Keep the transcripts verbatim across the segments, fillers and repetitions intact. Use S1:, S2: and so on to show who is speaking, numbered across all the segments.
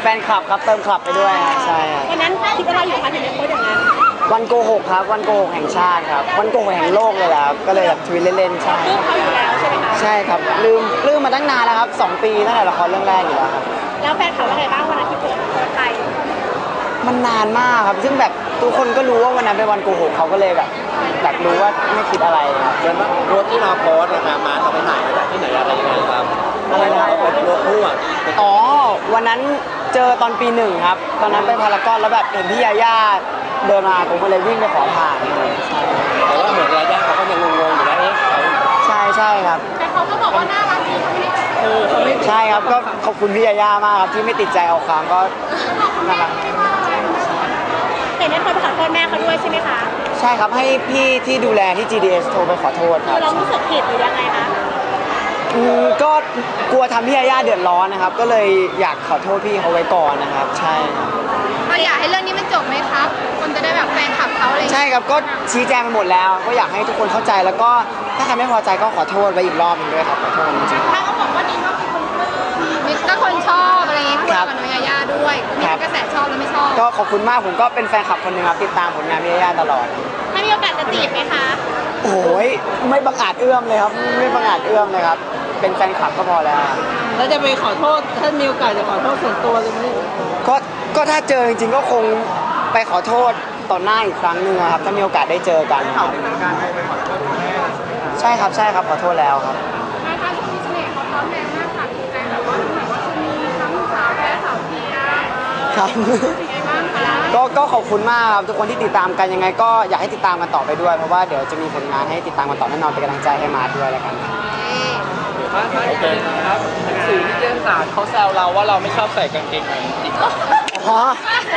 S1: นคลับครับเติมคลับไปด้วยใช่
S2: วันนั้นคิดว่าเราอยู่คะถึงจะโพสอย่างนั้น
S1: วันโกหกครับวันโกหกแห่งชาติครับวันโกหกแห่งโลกเลยแหละครับก็เลยแบบทวิตเล่นๆใช่
S2: ลืมเขาอยู่แล้วใช่ไหมคะ
S1: ใช่ครับลืมลืมมาตั้งนานแล้วครับสองปีตั้งแต่ละครเรื่องแรกอยู่แล้วครับ
S2: แล้วแฟนเขาว่าไงบ้างวันนั้นที่โพสโพสไป
S1: มันนานมากครับซึ่งแบบทุกคนก็รู้ว่าวันนั้นเป็นวันโกหกเขาก็เลยแบบแบบรู้ว่าไม่คิดอะไรครับ
S3: เดินรถที่เราโพสนะครับมาเราไปถ่ายมาจากที่ไหนอะไรยังไงครับ
S1: อะไรนะ
S3: เป็นรถคู่อ่ะ
S1: อ๋อวันนั้นเจอตอนปีหนึ่งครับตอนนั้นไปพารากอนแล้วแบบเห็นพี่ยาย่าเดินมาผมก็เลยวิ่งไปขอถ่าย
S3: แต่ว่าเหมือนยาย่าเขาก็ยังงงๆอยู่นะเอ๊ะ
S1: ใช่ใช่ครับ
S2: แต่เขาก็บอกว่าน่ารักดีเขาไม่ได้
S3: เออเขาไม่
S1: ใช่ครับก็ขอบคุณพี่ยาย่ามากครับที่ไม่ติดใจเอาความก็น่ารัก
S2: แต่ได้คนไปขอโทษแม่เขาด้วยใช่ไหมคะ
S1: ใช่ครับให้พี่ที่ดูแลที่ จี ดี เอส โทรไปขอโทษครับ
S2: เรารู้สึกผิดหรือยังไงคะ
S1: อืมก็กลัวทำพี่ยาย่าเดือดร้อนนะครับก็เลยอยากขอโทษพี่เขาไว้ก่อนนะครับใช่
S2: เราอยากให้เรื่องนี้มันจบไหมครับคนจะได้แบบแฟนคลับเขาอะไร
S1: ใช่ครับก็ชี้แจงไปหมดแล้วก็อยากให้ทุกคนเข้าใจแล้วก็ถ้าใครไม่พอใจก็ขอโทษไว้อีกรอบนึงด้วยครับขอโทษจริง
S2: ๆถ้าเขาบอกว่าดีก็คือคนมีก็คนชอบอะไรอย่างเงี้ยคุยกับน้องยาย่าด้วยมีกระแสชอบแล้วไม่ชอบ
S1: ก็ขอบคุณมากผมก็เป็นแฟนคลับคนหนึ่งครับติดตามผลงานพี่ยาย่าตลอด
S2: ถ้ามีโอกาสจะจีบไหมคะ
S1: โอ้ยไม่บังอาจเอื้อมเลยครับไม่บังอาจเอื้อมเลยครับเป็นแฟนคลับก็พอแล้ว
S4: แล้วจะไปขอโทษถ้ามีโอกาสจะขอโทษส่วนตัวเลยไหม
S1: ก็ก็ถ้าเจอจริงๆก็คงไปขอโทษต่อหน้าอีกครั้งหนึ่งครับถ้ามีโอกาสได้เจอกัน
S3: เขาเป็นการไปขอโทษแม่
S1: ใช่ครับใช่ครับขอโทษแล้วครับ
S2: นายคะช่วงนี้เสน่ห์เขาพร้อมแรงมากค่ะดีใจแบบว่าแบบว่าจะมีทั้งสาวแพ้สาวเทีย
S1: ครับก็ก็ขอบคุณมากครับทุกคนที่ติดตามกันยังไงก็อยากให้ติดตามกันต่อไปด้วยเพราะว่าเดี๋ยวจะมีผลงานให้ติดตามกันต่อแน่นอนเป็นกำลังใจให้มาด้วยแล้วกัน
S3: มาถ่ายกันครับสื่อที่เรื่องสารเขาแซวเราว่าเราไม่ชอบใส่กางเกงในจริง
S1: อ๋อ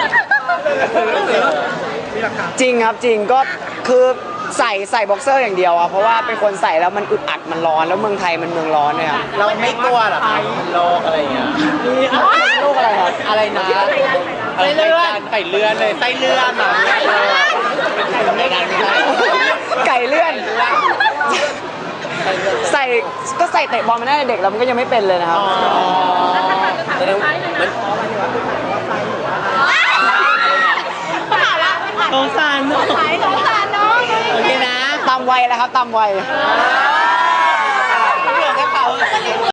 S1: จริงครับจริงก็คือใส่ใส่บ็อกเซอร์อย่างเดียวอ่ะเพราะว่าเป็นคนใส่แล้วมันอึดอัดมันร้อนแล้วเมืองไทยมันเมืองร้อนเนี่ยครับ
S3: เราไม่กลัวหรอครับโลกอะไรอย่างเงี้ย
S1: โรคอะไรครับ
S3: อะไรนะไส้เลื่อนไก่เลื่อนเลยไส้เลื่อนอ่ะ
S1: ไก่เลื่อนใส่ก็ใส่เตะบอลมาตั้งแต่เด็กแล้วมันก็ยังไม่เป็นเลยนะครับ
S4: สงสารน้อง
S2: สงสารน้อง
S4: โอเคนะ
S1: ตามวัยแล้วครับตามวัย